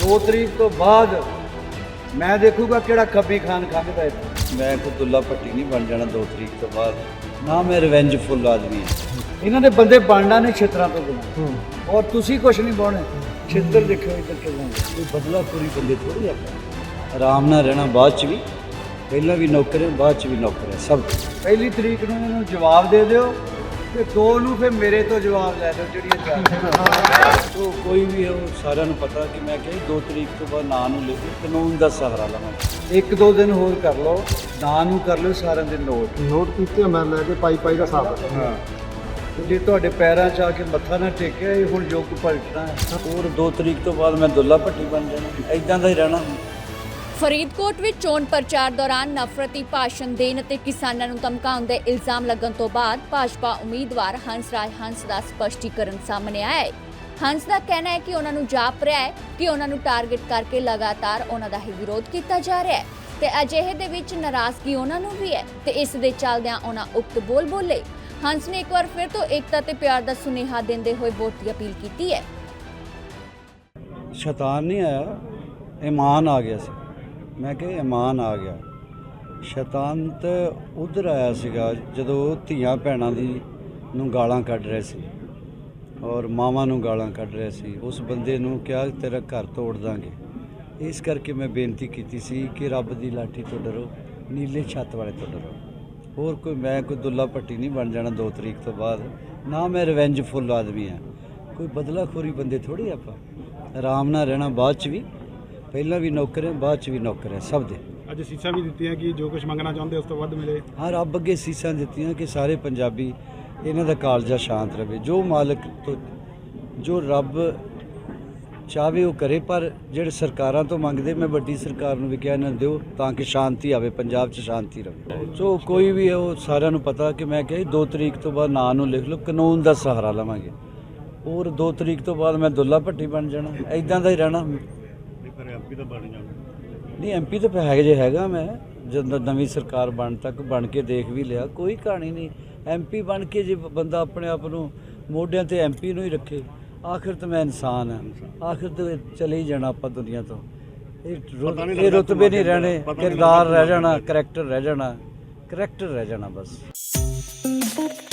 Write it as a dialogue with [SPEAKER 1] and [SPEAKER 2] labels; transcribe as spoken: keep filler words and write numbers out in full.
[SPEAKER 1] दो तरीक तो बाद मैं देखूगा किहड़ा खब्बी खान खांदा इत्थे। मैं कोई दुल्ला भट्टी नहीं बन जाना दो तरीक तो बाद ना। मैं रिवेंजफुल आदमी है। इन्होंने बंदे बनना ने छितरां तो बिना और तुसी कुछ नहीं बोने छितर देखो इधर के कोई बदलाखोरी बंदे थोड़ी आप आराम नाल रहना। बाद च भी पहला भी नौकर है बाद च भी नौकर है सब। पहली तरीक नूं इन्हूं जवाब दे दिओ ਤੇ ਦੋ ਨੂੰ ਫਿਰ ਮੇਰੇ ਤੋਂ ਜਵਾਬ ਲੈ ਲਓ ਜਿਹੜੀਆਂ ਚਾਰ ਤੋਂ ਕੋਈ ਵੀ ਉਹ ਸਾਰਿਆਂ ਨੂੰ ਪਤਾ ਕਿ ਮੈਂ ਕਿਹਾ ਦੋ ਤਰੀਕ ਤੋਂ ਬਾਅਦ ਨਾਂ ਨੂੰ ਲੈ ਕੇ ਕਾਨੂੰਨ ਦਾ ਸਹਾਰਾ ਲਵਾਂਗੇ। ਇੱਕ ਦੋ ਦਿਨ ਹੋਰ ਕਰ ਲਓ ਨਾਂ ਨੂੰ ਕਰ ਲਓ ਸਾਰਿਆਂ ਦੇ ਨੋਟ
[SPEAKER 2] ਨੋਟ ਕੀਤੇ ਮੈਂ ਲੈ ਕੇ ਪਾਈ ਪਾਈ ਦਾ ਹਿਸਾਬ।
[SPEAKER 1] ਹਾਂ ਤੇ ਜੇ ਤੁਹਾਡੇ ਪੈਰਾਂ 'ਚ ਆ ਕੇ ਮੱਥਾ ਨਾ ਟੇਕਿਆ ਇਹ ਹੁਣ ਜੋ ਕੁ ਪਲਟਣਾ ਹੈ। ਹੋਰ ਦੋ ਤਰੀਕ ਤੋਂ ਬਾਅਦ ਮੈਂ ਦੁੱਲਾ ਭੱਟੀ ਬਣ ਜਾਣਾ ਐਦਾਂ ਦਾ ਹੀ ਰਹਿਣਾ।
[SPEAKER 3] ਫਰੀਦਕੋਟ ਵਿੱਚ ਚੋਣ ਪ੍ਰਚਾਰ ਦੌਰਾਨ ਨਫ਼ਰਤੀ ਭਾਸ਼ਣ ਦੇਣ ਅਤੇ ਕਿਸਾਨਾਂ ਨੂੰ ਧਮਕਾਉਣ ਦੇ ਇਲਜ਼ਾਮ ਲੱਗਣ ਤੋਂ ਬਾਅਦ ਭਾਜਪਾ ਉਮੀਦਵਾਰ ਹੰਸ ਰਾਜ ਹੰਸ ਦਾ ਸਪਸ਼ਟੀਕਰਨ ਸਾਹਮਣੇ ਆਇਆ ਹੈ। ਹੰਸ ਦਾ ਕਹਿਣਾ ਹੈ ਕਿ ਉਹਨਾਂ ਨੂੰ ਜਾਪ ਰਿਹਾ ਹੈ ਕਿ ਉਹਨਾਂ ਨੂੰ ਟਾਰਗੇਟ ਕਰਕੇ ਲਗਾਤਾਰ ਉਹਨਾਂ ਦਾ ਹੀ ਵਿਰੋਧ ਕੀਤਾ ਜਾ ਰਿਹਾ ਹੈ ਤੇ ਅਜਿਹੇ ਦੇ ਵਿੱਚ ਨਾਰਾਜ਼ਗੀ ਉਹਨਾਂ ਨੂੰ ਵੀ ਹੈ ਤੇ ਇਸ ਦੇ ਚੱਲਦਿਆਂ ਉਹਨਾਂ ਉਕਤ ਬੋਲ ਬੋਲੇ। ਹੰਸ ਨੇ ਇੱਕ ਵਾਰ ਫਿਰ ਤੋਂ ਏਕਤਾ ਤੇ ਪਿਆਰ ਦਾ ਸੁਨੇਹਾ ਦਿੰਦੇ ਹੋਏ ਵੋਟ ਦੀ ਅਪੀਲ ਕੀਤੀ ਹੈ।
[SPEAKER 1] ਸ਼ੈਤਾਨ ਨਹੀਂ ਆਇਆ ਈਮਾਨ ਆ ਗਿਆ ਸੀ। ਮੈਂ ਕਿਹਾ ਈਮਾਨ ਆ ਗਿਆ। ਸ਼ੈਤਾਨ ਤਾਂ ਉੱਧਰ ਆਇਆ ਸੀਗਾ ਜਦੋਂ ਧੀਆਂ ਭੈਣਾਂ ਦੀ ਨੂੰ ਗਾਲਾਂ ਕੱਢ ਰਹੇ ਸੀ ਔਰ ਮਾਵਾਂ ਨੂੰ ਗਾਲਾਂ ਕੱਢ ਰਹੇ ਸੀ। ਉਸ ਬੰਦੇ ਨੂੰ ਕਿਹਾ ਤੇਰਾ ਘਰ ਤੋੜ ਦਾਂਗੇ। ਇਸ ਕਰਕੇ ਮੈਂ ਬੇਨਤੀ ਕੀਤੀ ਸੀ ਕਿ ਰੱਬ ਦੀ ਲਾਠੀ ਤੋਂ ਡਰੋ ਨੀਲੇ ਛੱਤ ਵਾਲੇ ਤੋਂ ਡਰੋ। ਹੋਰ ਕੋਈ ਮੈਂ ਕੋਈ ਦੁੱਲਾ ਭੱਟੀ ਨਹੀਂ ਬਣ ਜਾਣਾ ਦੋ ਤਰੀਕ ਤੋਂ ਬਾਅਦ ਨਾ। ਮੈਂ ਰਿਵੈਂਜਫੁਲ ਆਦਮੀ ਹਾਂ। ਕੋਈ ਬਦਲਾਖੋਰੀ ਬੰਦੇ ਥੋੜੀ ਆਪਾਂ ਆਰਾਮ ਨਾਲ ਰਹਿਣਾ। ਬਾਅਦ 'ਚ ਵੀ ਪਹਿਲਾਂ ਵੀ ਨੌਕਰ ਹੈ ਬਾਅਦ 'ਚ ਵੀ ਨੌਕਰ ਹੈ ਸਭ ਦੇ।
[SPEAKER 2] ਅੱਜ ਸੀਸਾਂ ਵੀ ਦਿੱਤੀਆਂ ਕਿ ਜੋ ਕੁਝ ਮੰਗਣਾ ਚਾਹੁੰਦੇ ਉਸ ਤੋਂ ਵੱਧ ਮਿਲੇ।
[SPEAKER 1] ਹਾਂ ਰੱਬ ਅੱਗੇ ਸੀਸਾਂ ਦਿੱਤੀਆਂ ਕਿ ਸਾਰੇ ਪੰਜਾਬੀ ਇਹਨਾਂ ਦਾ ਕਾਲਜਾ ਸ਼ਾਂਤ ਰਵੇ। ਜੋ ਮਾਲਕ ਤੋਂ ਜੋ ਰੱਬ ਚਾਹਵੇ ਉਹ ਕਰੇ। ਪਰ ਜਿਹੜੇ ਸਰਕਾਰਾਂ ਤੋਂ ਮੰਗਦੇ ਮੈਂ ਵੱਡੀ ਸਰਕਾਰ ਨੂੰ ਵੀ ਕਿਹਾ ਇਹਨਾਂ ਦਿਓ ਤਾਂ ਕਿ ਸ਼ਾਂਤੀ ਆਵੇ ਪੰਜਾਬ 'ਚ ਸ਼ਾਂਤੀ ਰਵੇ। ਸੋ ਕੋਈ ਵੀ ਉਹ ਸਾਰਿਆਂ ਨੂੰ ਪਤਾ ਕਿ ਮੈਂ ਕਿਹਾ ਦੋ ਤਰੀਕ ਤੋਂ ਬਾਅਦ ਨਾਂ ਨੂੰ ਲਿਖ ਲਓ ਕਾਨੂੰਨ ਦਾ ਸਹਾਰਾ ਲਵਾਂਗੇ। ਹੋਰ ਦੋ ਤਰੀਕ ਤੋਂ ਬਾਅਦ ਮੈਂ ਦੁੱਲਾ ਭੱਟੀ ਬਣ ਜਾਣਾ ਐਦਾਂ ਦਾ ਹੀ ਰਹਿਣਾ।
[SPEAKER 2] ਐਮਪੀ ਤਾਂ ਬਣ ਜਾਣਾ
[SPEAKER 1] ਨਹੀਂ ਐਮਪੀ ਤਾਂ ਹੈ ਜੇ ਹੈਗਾ ਮੈਂ ਜਦੋਂ ਨਵੀਂ ਸਰਕਾਰ ਬਣ ਤੱਕ ਬਣ ਕੇ ਦੇਖ ਵੀ ਲਿਆ। ਕੋਈ ਕਹਾਣੀ ਨਹੀਂ ਐਮਪੀ ਬਣ ਕੇ ਜੇ ਬੰਦਾ ਆਪਣੇ ਆਪ ਨੂੰ ਮੋਢਿਆਂ ਤੇ ਐਮਪੀ ਨੂੰ ਹੀ ਰੱਖੇ। ਆਖਿਰ ਤਾਂ ਮੈਂ ਇਨਸਾਨ ਹਾਂ। ਆਖਿਰ ਤਾਂ ਚਲੇ ਹੀ ਜਾਣਾ ਆਪਾਂ ਦੁਨੀਆ ਤੋਂ। ਇਹ ਇਹ ਰੁਤਬੇ ਨਹੀਂ ਰਹਿਣੇ ਕਿਰਦਾਰ ਰਹਿ ਜਾਣਾ ਕਰੈਕਟਰ ਰਹਿ ਜਾਣਾ ਕਰੈਕਟਰ ਰਹਿ ਜਾਣਾ ਬਸ।